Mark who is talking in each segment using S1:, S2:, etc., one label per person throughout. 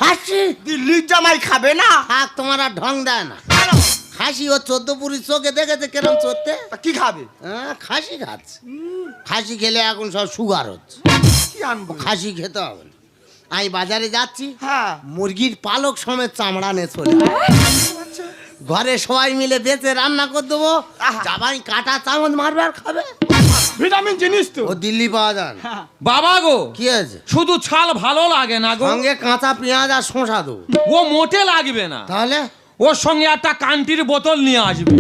S1: খাসি
S2: দিল্লির জামাই খাবে না?
S1: থাক, তোমার আর ঢং দেয় না। খাসি ও 14 পুরি চোখে দেখেছে কেরম চড়তে।
S2: তা কি খাবে?
S1: হ্যাঁ, খাসি খাচ্ছে। খাসি খেলে এখন সব সুগার হচ্ছে,
S2: কি আনবো?
S1: খাসি খেতে হবে না। আমি বাজারে যাচ্ছি,
S2: হ্যাঁ
S1: মুরগির পালক সমেত চামড়া নিয়ে চলে
S2: আচ্ছা।
S1: ঘরে সবাই মিলে বেঁচে রান্না করে দেবো।
S2: আহা।
S1: জামাই কাটা চামচ মারবে আর খাবে।
S2: ভিটামিন জিনিস তো।
S1: ও দিল্লি পাওয়া যায় না।
S3: বাবা গো,
S1: কি আছে?
S3: শুধু ছাল ভালো লাগে না গো,
S1: সঙ্গে কাঁচা পেঁয়াজ আর শসা দেবো।
S3: ও মোটে লাগবে না।
S1: তাহলে
S3: ওর সঙ্গে একটা কান্টির বোতল নিয়ে আসবে।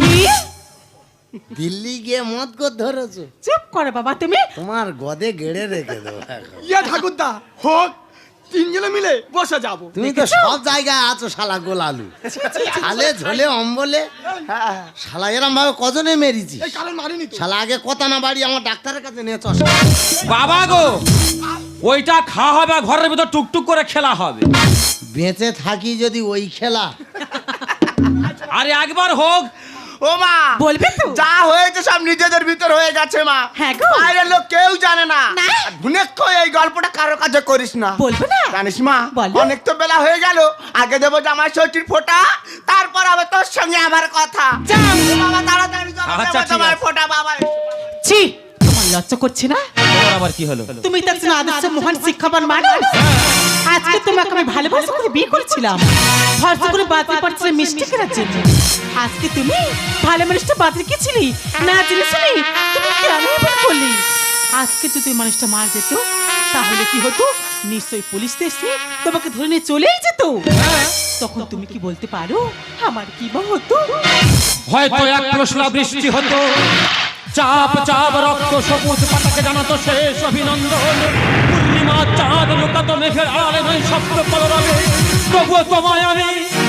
S1: দিল্লি গিয়ে মদ করে ধরেছো?
S4: চুপ করে বাবা তুমি।
S1: তোমার গদে গেড়ে রেখে দেবো এখন।
S2: ইয়া ঠাকুরদা হোক, তিনজনে মিলে বসে যাবো।
S1: তুমি তো সব জায়গায় আছো শালা গোলালু। ছালে ঝোলে অম্বলে
S2: হ্যাঁ
S1: শালা এরম ভাবে কজনে মেরেছি।
S2: এই কারণ মারিনি তো।
S1: শালা আগে কথা না বাড়ি আমার ডাক্তারের কাছে নিয়ে চস।
S3: বাবা গো, ওইটা খাওয়া হবে আর ঘরের ভিতর টুকটুক করে খেলা হবে।
S1: বেঁচে থাকি যদি ওই খেলা।
S3: আরে একবার হোক।
S2: ও মা,
S4: বলবে তো?
S2: যা হয়েছে সব নিজেদের ভিতর হয়ে গেছে মা।
S4: হ্যাঁ গো।
S2: বাইরের লোক কেউ জানে না।
S4: না।
S2: ভুনেক্ষ এই গল্পটা কারোর কাছে করিস না।
S4: বলবে না?
S2: জানিস মা,
S4: বলো।
S2: অনেক তো বেলা হয়ে গেল। আগে দেবো জামাই ষষ্ঠীর ফোঁটা, তারপর হবে তোর সঙ্গে আমার কথা।
S4: যাও।
S2: ও বাবা তাড়াতাড়ি চলো,
S3: আচ্ছা,
S2: দেবো
S3: ঠিক
S2: তোমার
S3: আছে।
S2: ফোঁটা বাবা।
S4: ছি, তোমার লজ্জা করছে না?
S3: তোমার আবার কি হলো?
S4: তুমি তো একজন আদর্শ মহান শিক্ষাবান মানুষ। আজকে তোমাকে আমি ভালোবাসা করে বিয়ে করেছিলাম, ভরসা করে বাতিল পাঠিয়েছিলে মিষ্টি কেনার জন্য। আজকে তুমি ভালো মানুষটা বাতিল কি ছিলি না জেনে শুনি তুমি কেন এমন করলি? আজকে যদি ওই মানুষটা মার যেত তাহলে কি হতো? নিশ্চয়ই পুলিশ এসে তোমাকে ধরে নিয়ে চলেই যেত। তখন তুমি কি বলতে পারো আমার কি বা হতো?
S3: হয়তো এক প্রশ্ন বৃষ্টি হতো, চাপ চাপ রক্ত সবুজ পাতাকে জানাতো শেষ অভিনন্দন। পূর্ণিমা চাঁদ লুকাতো মেঘের আড়ালে নয় স্বপ্ন কলরবে। তবুও তোমায় আমি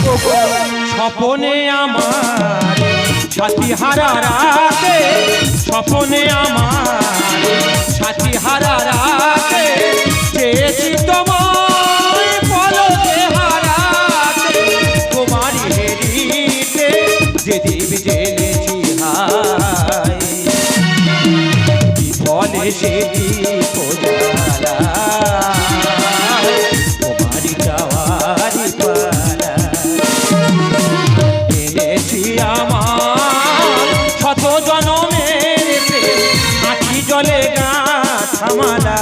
S3: স্বপনে আমার সাথী হারা রাতে, স্বপনে আমার সাথী হারা রাতে চেয়েছি তোমায় পলকে হারাতে। তোমার হেরিতে যে দীপ জেলেছি হায়, বিফলে সে দীপ জ্বালায়, তোমার যাওয়ারি পালা। এনেছি আমার শত জনমের প্রেম, আঁখি জলে গাঁথা মালা।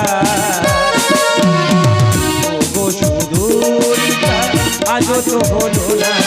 S3: ওগো সুদূরিতা আজও তো হলো না